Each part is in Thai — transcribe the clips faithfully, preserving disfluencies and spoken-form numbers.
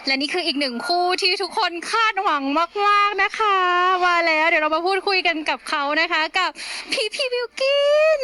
และนี่คืออีกหนึ่งคู่ที่ทุกคนคาดหวังมากๆนะคะมาแล้วเดี๋ยวเรามาพูดคุยกันกับเขานะคะกับพี่พี่บิวกิน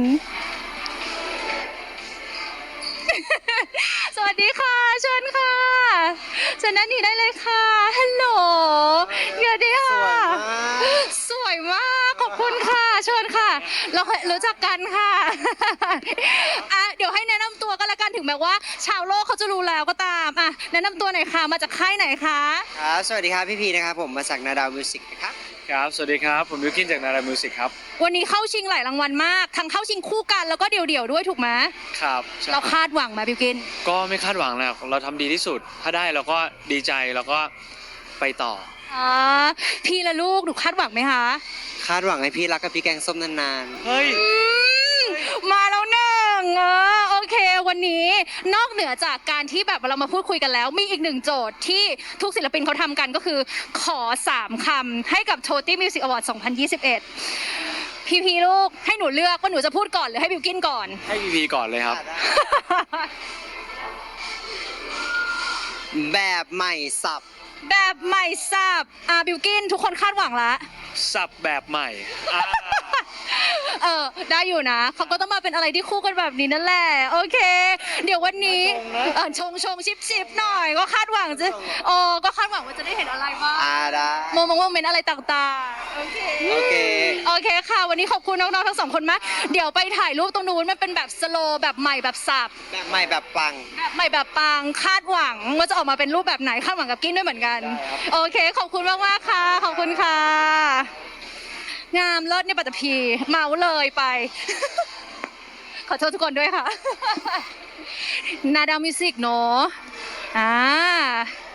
สวัสดีค่ะเชิญค่ะเชิญนั่นนี่ได้เลยค่ะฮัลโหลสวัสดีค่ะสวยมากขอบคุณค่ะเชิญค่ะ เราเคยรู้จักกันค่ะ อ่ะเดี๋ยวให้แนะนำตัวก็แล้วกันถึงแม้ว่า ชาวโลกเขาจะรู้แล้วก็ตามอ่ะแนะนำตัวหน่อยค่ะมาจากค่ายไหนคะครับสวัสดีครับพี่พีนะครับผมมาจากนาดาวมิวสิกนะครับครับ สวัสดีครับ ผมบิวกินจากนารามิวสิกครับวันนี้เข้าชิงหลายรางวัลมากทั้งเข้าชิงคู่กันแล้วก็เดี่ยวๆด้วยถูกไหมครับใช่เราคาดหวังไหมบิวกินก็ไม่คาดหวังแล้วเราทำดีที่สุด ถ้าได้เราก็ดีใจแล้วก็ไปต่ออ๋อพี่และลูกหนูคาดหวังไหมคะคาดหวังให้พี่รักกับพี่แกงส้มนานเฮ้ยอืมมาแล้วหนึ่งเออโอเค วันนี้นอกเหนือจากการที่แบบเรามาพูดคุยกันแล้ว มีอีกหนึ่งโจทย์ที่ทุกศิลปินเขาทำกันก็คือ ขอสามคำให้กับ Toti Music Award สองพันยี่สิบเอ็ด พี่พีลูกให้หนูเลือกว่าหนูจะพูดก่อนหรือให้บิวกินก่อนให้พีพีก่อนเลยครับๆแบบใหม่สับแบบใหม่สับอ่ะบิวกินทุกคนคาดหวังละสับแบบใหม่อ่าเออได้อยู่นะเขาก็ต้องมาเป็นอะไรที่คู่กันแบบนี้นั่นแหละโอเค เดี๋ยววันนี้เออชงชงชิปชิปหน่อย ก็คาดหวังจะโอ้ก็คาดหวังว่าจะได้เห็นอะไรบ้างอ่าได้โมมงโมเมนต์อะไรต่างๆโอเคโอเคโอเคค่ะ วันนี้ขอบคุณน้องๆทั้งสองคนมากเดี๋ยวไปถ่ายรูปตรงนู้นมันเป็นแบบสโลว์แบบใหม่แบบสับแบบใหม่แบบปังแบบใหม่แบบปังคาดหวังว่าจะออกมาเป็นรูปแบบไหนคาดหวังกับกินด้วยเหมือนกันได้ครับโอเค ขอบคุณมากมากๆค่ะ ขอบคุณค่ะ งามเลิศเนี่ยปัตตภีเมาเลยไป ขอโทษทุกคนด้วยค่ะ นาดาวมิวสิกเนอะอ่า